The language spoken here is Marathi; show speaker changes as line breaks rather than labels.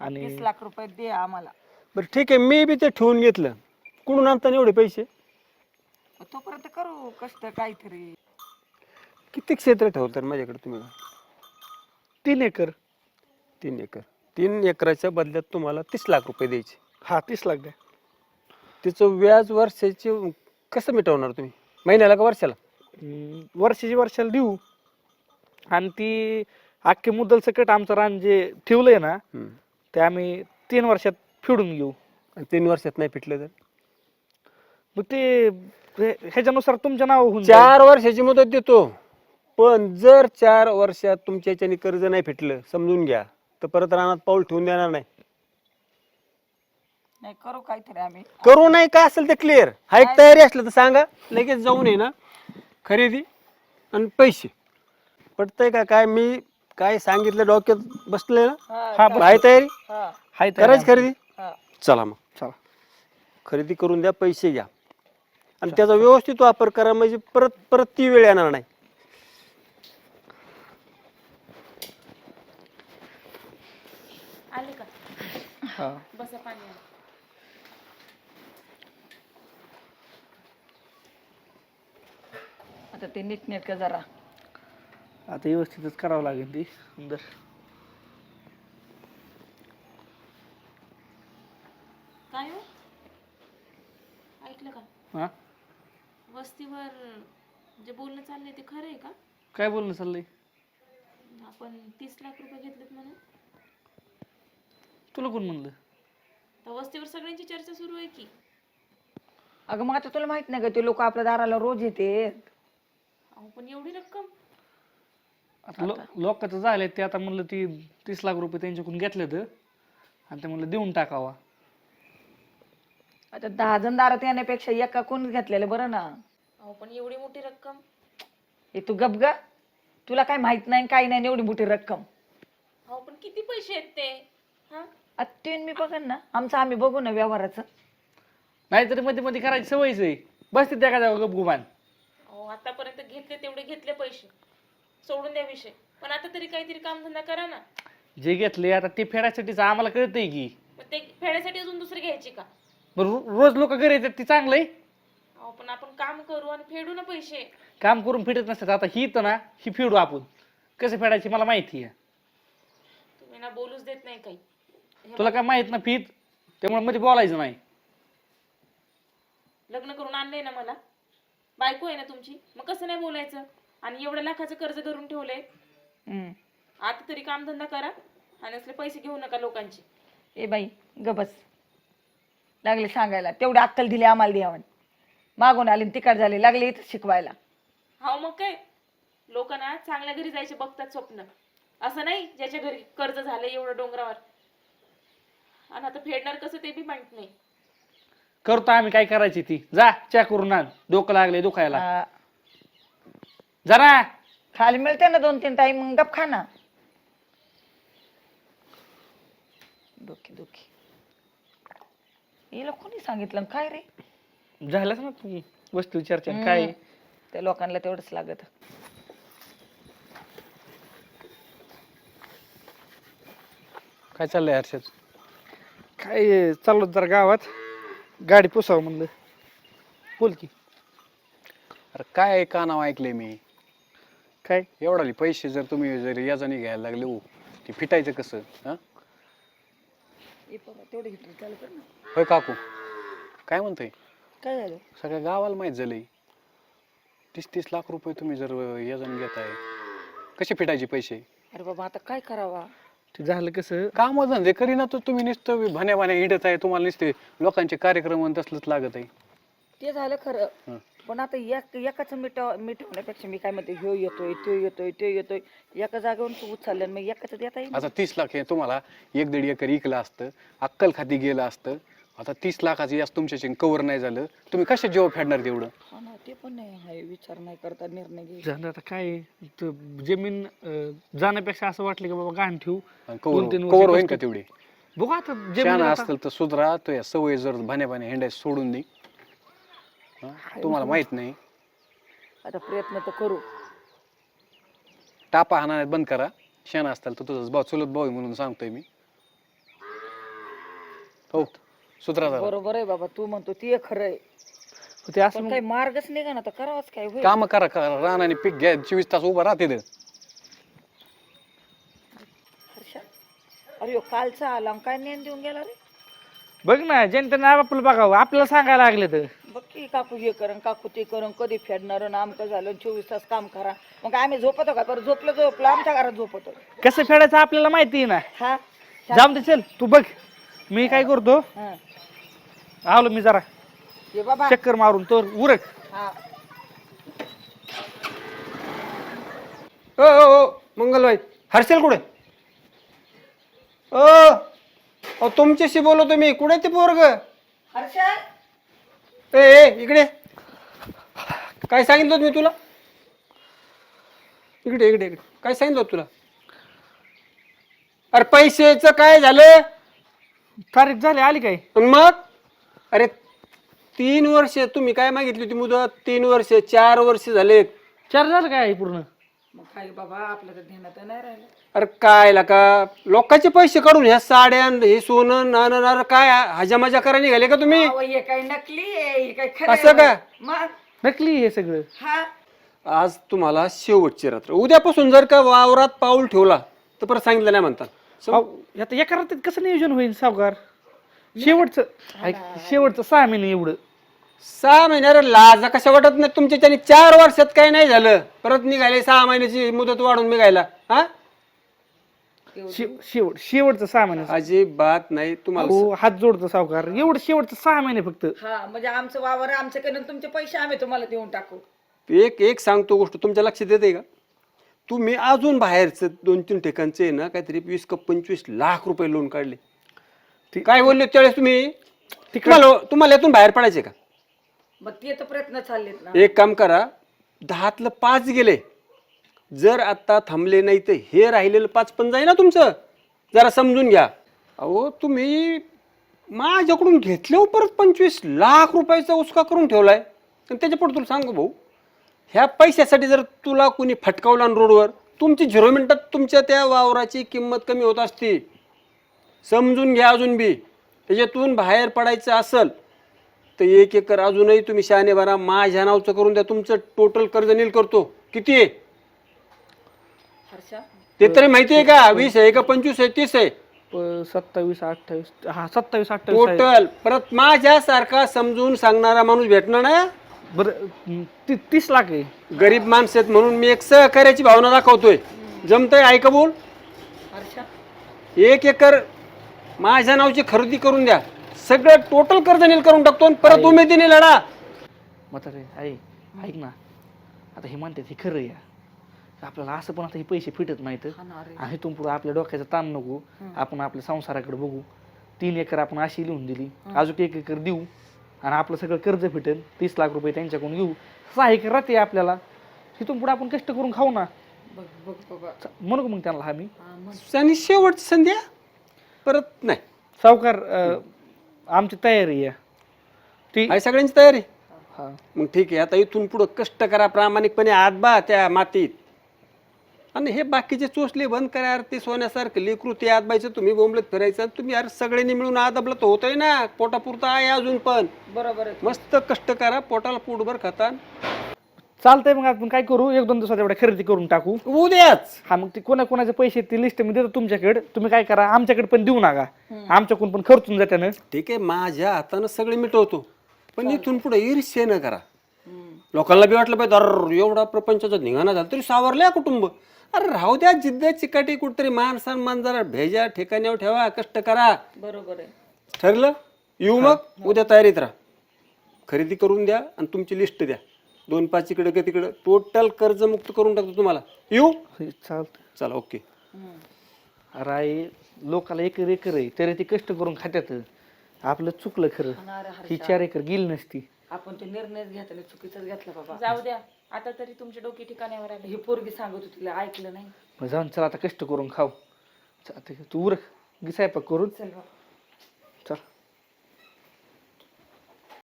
आणि
30 लाख रुपये दे आम्हाला.
बरं ठीक आहे, मी बी ते ठेवून घेतलं. कुठून आणता एवढे पैसे?
तोपर्यंत करू कष्ट काहीतरी.
किती क्षेत्र ठेवतात माझ्याकडे तुम्ही?
3 एकर.
3 एकर. 3 एकराच्या बदल्यात तुम्हाला 30 लाख रुपये द्यायचे.
हा 30 लाख द्या.
तिचं व्याज वर्षाचे कसं मिटवणार तुम्ही? महिन्याला का वर्षाला?
वर्षाला देऊ आणि ती अख्खे मुद्दल सकट आमचं रान जे ठेवलंय ना ते आम्ही 3 वर्षात फेडून घेऊ.
आणि 3 वर्षात नाही फिटलं तर?
मग ते ह्याच्यानुसार तुमच्या नाव होऊन जाईल.
4 वर्षाची मुदत देतो, पण जर 4 वर्षात तुमच्या ह्याच्याने कर्ज नाही फिटलं समजून घ्या, तर परत रानात पाऊल ठेवून देणार नाही.
नाही करू काहीतरी आम्ही.
करू नाही का असेल ते क्लिअर हाय. तयारी असलं तर सांगा, लगेच जाऊन ये ना खरेदी आणि पैसे. पटतंय का? काय मी काय सांगितलं डोक्यात बसलंय ना?
हा
आहे तयारी?
हाय
करायची खरेदी?
हा.
चला मग
चला.
खरेदी करून द्या, पैसे घ्या आणि त्याचा व्यवस्थित वापर करा, म्हणजे परत परत ती वेळ येणार नाही.
आले का?
हा.
बसा पाणी आलं.
आता ते नीटनेटकं जरा.
आता व्यवस्थितच करावं लागेल ती सुंदर.
काय हो? ऐकलं का?
हा
वस्तीवर जे बोलणं चाललंय ते खरं आहे का?
काय बोलणं चाललंय?
आपण 30 लाख रुपये घेतलेत म्हणून.
तुला कोण म्हणलं?
तर वस्तीवर सगळ्यांची चर्चा सुरू आहे की.
अगं मग आता तुला माहित नाही का ते लोक आपल्या दाराला रोज येते.
अहो पण एवढी रक्कम?
आता लोकांचं झालंय ते. आता म्हणलं ती 30 लाख रुपये त्यांच्याकडून घेतले तर आणि ते म्हणलं देऊन टाकावा.
आता 10 जण दारात येण्यापेक्षा एका कोण घेतलेलं बरं ना.
अहो पण एवढी मोठी रक्कम?
हे तू गप ग. तुला काय माहित नाही काही नाही एवढी मोठी रक्कम.
अहो पण किती पैसे आहेत ते? हा?
आता मी बघन ना, आमचं आम्ही बघू ना व्यवहाराचं.
नाहीतरी मध्ये मध्ये करायची सवयच आहे. बसते त्या का गपगुमान.
अहो आतापर्यंत घेतले तेवढे घेतले पैसे, सोडून द्या विषय. पण आता तरी काहीतरी कामधंदा करा ना.
जे घेतले आता ते फेडायसाठीच आम्हाला कळतंय की.
मग ते फेडायसाठी अजून दुसरे घ्यायचे का?
बरं रोज लोक घरी येतात ती चांगलंय.
अहो पण आपण काम करू आणि फेडू ना पैसे.
काम करून फेडत नसतात. आता ही तर ना ही फेडू आपण. कसं फेडायची मला माहिती आहे.
तुम्ही ना बोलूच देत नाही काही.
तुला काय माहित ना फीत, त्यामुळे मध्ये बोलायचं नाही.
लग्न करून आणलंय ना मला, बायको आहे ना तुमची, मग कसं नाही बोलायचं? आणि एवढ्या लाखाचं कर्ज धरून ठेवलंय. आता तरी कामधंदा करा आणि असले पैसे घेऊ नका लोकांचे.
ए बाई गबस. लागले सांगायला तेवढी अक्कल दिली आम्हाला द्यावं. मागून आली तिकड झाली लागले इथं शिकवायला.
हा मग काय, लोक ना चांगल्या घरी जायचे बघतात स्वप्न, असं नाही ज्याच्या घरी कर्ज झालंय एवढं डोंगरावर. आणि आता फेडणार कसं ते बी माहित नाही.
करतो आम्ही काय करायची ती. जा चॅक करून आण. डोकं लागले दुखायला जरा.
खाली मिळते ना 2-3 टाईम मग गप खा ना. डोकी डोकी हिला कोणी सांगितलं काय रे?
झालंच ना तू वस्तू चर्चा काय.
त्या लोकांना तेवढंच लागत.
काय चाललंय हर्षद?
काय चाललो जरा गावात, गाडी पुसावं म्हणलं. बोल की.
अरे काय कानाव ऐकले मी.
काय
एवढाले पैसे जर तुम्ही जर याजाने घ्यायला लागले हो, ते फिटायचं कसं? हा
तेवढं घेतलं चालू कर ना.
होय काकू, काय म्हणतोय?
काय झालं?
सगळ्या गावाला माहित झालंय 30-30 लाख रुपये तुम्ही जर याजाने घेताय, कसे फिटायचे पैसे?
अरे बाबा आता काय करावा?
ते झालं कसं,
काम धंदे करीना तर तुम्ही नुसतं भाण्या भाण्या हिंडत आहे. तुम्हाला नुसते लोकांचे कार्यक्रम आणि तसलंच लागत आहे.
ते झालं खरं. पण आता एकाच मिटवण्यापेक्षा मी काय म्हणते, ह्यो येतोय तो येतोय तो येतोय, एका जागेवरून तू उचललं मग एकाच देता येईल.
आता 30 लाख हे तुम्हाला 1-1.5 एकर इकलं असतं, अक्कल खाती गेलं असतं. आता 30 लाखाचं याच तुमच्याशी कव्हर नाही झालं, तुम्ही कशा जेव्हा फेडणार तेवढं?
हा ना, ते पण नाही आहे. विचार नाही करता निर्णय घे.
झालं आता काय जमीन जाण्यापेक्षा असं वाटलं की बाबा गाण ठेवू.
कव्हर होईल का तेवढी?
बघू आता
छान
जमीन
असतील तर सुधरा. तो या सवय जर भाण्या भाण्या हिंडायचं सोडून दे. तुम्हाला माहित नाही.
आता प्रयत्न तर करू.
टापा हाणायला बंद करा. शेण असताल तर तुझं भाऊ चुलत भाऊ आहे म्हणून सांगतोय मी. हो सुधरा जरा.
बरोबर आहे बाबा, तू म्हणतो ते खरं आहे,
ते असं
पण काही मार्गच निघा ना, तर करावंच काय होईल.
काम करा रान आणि पीक घ्या 24 तास उभा राहते
हर्षा, अरे ह्यो कालचा आला आणि काय नेन देऊन गेला रे.
बघ ना, जनतेने आपलं बघावं, आपल्याला सांगायला लागले तर
बघ की, काकू हे करण काकू ते करण, कधी फेडणार आमकं झालं, 24 तास काम करा. मग आम्ही झोपतो का? बरं झोपलं आमच्या घरात झोपतो.
कसं फेडायचं आपल्याला माहिती आहे ना.
हा
जाऊन दे, चल तू बघ, मी काय करतो,
हा.
आलो मी जरा
ये बाबा.
चक्कर मारून तर उरक.
हा
ओ मंगलबाई, हर्षल कुठे? ओ तुमच्याशी बोलतो मी. कुठे ते पोरग?
हर्षा,
ए इकडे. काय सांगितलं होतं मी तुला? इकडे इकडे इकडे. काय सांगितलं होतं तुला? अरे पैशाचं काय झालं?
तारीख झाली, आली काय?
आणि मग अरे 3 वर्ष तुम्ही काय मागितली होती मुदत? 3 वर्ष 4 वर्ष झाले.
चार झालं काय पूर्ण?
मग काय बाबा, आपलं तर ध्यानात नाही राहिलं.
अरे काय का लोकांचे पैसे काढून ह्या साड्या हे सोनं नाणं अरे काय हजामजा करा निघाले का तुम्ही?
अहो, हे काय नकली आहे, हे काय खरं
असं का?
आहे? मग
नकली हे सगळं.
हा
आज तुम्हाला शेवटची रात्र. उद्यापासून जर का वावरात पाऊल ठेवला तर परत सांगितलं नाही म्हणता.
अहो, आता एका रात्रीत कसं नियोजन होईल सावकार? शेवटचं ऐक, शेवटचं 6 महिने एवढं.
6 महिन्याला लाजा कशा वाटत नाही तुमच्या त्याने? 4 वर्षात काय नाही झालं, परत निघाले 6 महिन्याची मुदत वाढून निघायला. हा
शेवटचं 6 महिने.
अजिबात नाही तुम्हाला.
हो, हात जोडतो सावकार, एवढं शेवटचं 6 महिने फक्त.
हा, म्हणजे आमचं वावर आमच्याकडनं तुमचे पैसे आम्ही तुम्हाला देऊन टाकू.
एक सांगतो गोष्ट तुमच्या लक्षात येते का? तुम्ही अजून बाहेरचं 2-3 ठिकाणचे ना काहीतरी 20 का 25 लाख रुपये लोन काढले. काय बोलले त्यावेळेस तुम्ही? तुम्हाला यातून बाहेर पडायचे का?
मग ते तर प्रयत्न चाललेत ना.
एक काम करा, 10तलं 5 गेले. जर आता थांबले नाही तर हे राहिलेलं 5 पण जाई ना तुमचं. जरा समजून घ्या. अहो तुम्ही माझ्याकडून घेतल्यावर परत 25 लाख रुपयाचा उसका करून ठेवलाय. आणि त्याच्या पुढे तुला सांगू भाऊ, ह्या पैशासाठी जर तुला कोणी फटकावला रोडवर, तुमची 0 मिनिटात तुमच्या त्या वावराची किंमत कमी होत असती. समजून घ्या. अजून बी त्याच्यातून बाहेर पडायचं असेल तर 1 एकर अजूनही तुम्ही शहाणे भरा, माझ्या नावचं करून द्या. तुमचं टोटल कर्ज नील करतो. किती आहे
हर्षा,
ते तरी माहिती आहे का? 20 आहे का 25 आहे 30 आहे
27, 28, हा 27, 28
टोटल. परत माझ्यासारखा समजून सांगणारा माणूस भेटणार ना.
बरं 30 लाख आहे.
गरीब माणसं आहेत म्हणून मी एक सहकार्याची भावना दाखवतोय. जमतंय? ऐका बोल.
हर्षा,
1 एकर माझ्या नावची खरेदी करून द्या. सगळं टोटल कर्ज नील करून टाकतो आणि परत उमेदीने लढा.
म्हातारे ऐक ना, आता हे म्हणतात हे खरं या. आपल्याला असं पण आता हे पैसे फिटत नाहीत. आणि इथून पुढे आपल्या डोक्याचा ताण नको. आपण आपल्या संसाराकडे बघू. 3 एकर आपण अशी लिहून दिली, अजून 1 एकर देऊ आणि आपलं सगळं कर्ज फिटेल. 30 लाख रुपये त्यांच्याकडून घेऊ. 6 एकर राहते आपल्याला. इथून पुढे आपण कष्ट करून खाऊ ना.
बघ बघ बाबा.
म्हणू मग त्यांना आम्ही
आणि शेवटची संध्या परत नाही.
सावकार, आमची तयारी आहे ती.
आहे सगळ्यांची तयारी?
हा,
मग ठीक आहे. आता इथून पुढं कष्ट करा प्रामाणिकपणे, हात बा त्या मातीत. आणि हे बाकीचे चोचले बंद करा. यार ते सोन्यासारखं लेकरू ते आत बायचं, तुम्ही बोंबलत फिरायचं. तुम्ही यार सगळ्यांनी मिळून आदबलं तर होतंय ना. पोटापुरतं आहे अजून पण.
बरोबर आहे.
मस्त कष्ट करा, पोटाला पोटभर खाता.
चालतंय. मग आपण काय करू, 1-2 दिवसात एवढ्या खरेदी करून टाकू.
उद्याच
हा, मग ते कोणाचे पैसे ती लिस्ट मी देतो तुमच्याकडे. तुम्ही काय करा, आमच्याकडे पण देऊ नका. आमच्याकडून पण खर्चून जाते ना.
ठीक आहे, माझ्या हातानं सगळे मिटवतो. पण इथून पुढे ईर्ष्या न करा. लोकांना बी वाटलं पाहिजे अरे एवढा प्रपंचाचा धिंगाणा झाला तरी सावरल्या कुटुंब. अरे राहू द्या, जिद्द चिकाटी कुठतरी मान सन्मान जरा भेजा ठिकाण्यावर ठेवा, कष्ट करा.
बरोबर आहे.
ठरलं? येऊ मग उद्या तयारीत राहा. खरेदी करून द्या आणि तुमची लिस्ट द्या. 2-5 इकडे का तिकडं टोटल कर्ज मुक्त करून टाकतो तुम्हाला. येऊ?
चालतं.
चला ओके.
अरे लोकाला 1 एकर आहे तरी ते कष्ट करून खात्यात. आपलं चुकलं खरं. ही 4 एकर गेली नसती.
आपण ते निर्णय घेतला चुकीचाच घेतला बाबा.
जाऊ द्या, आता तरी तुमचे डोके ठिकाण्यावर आले.
ही पोरगी सांगत होती, तिला ऐकलं नाही.
मग जाऊन चला आता कष्ट करून खाऊ. तू उरक, स्वयंपाक करून.
चल बाबा.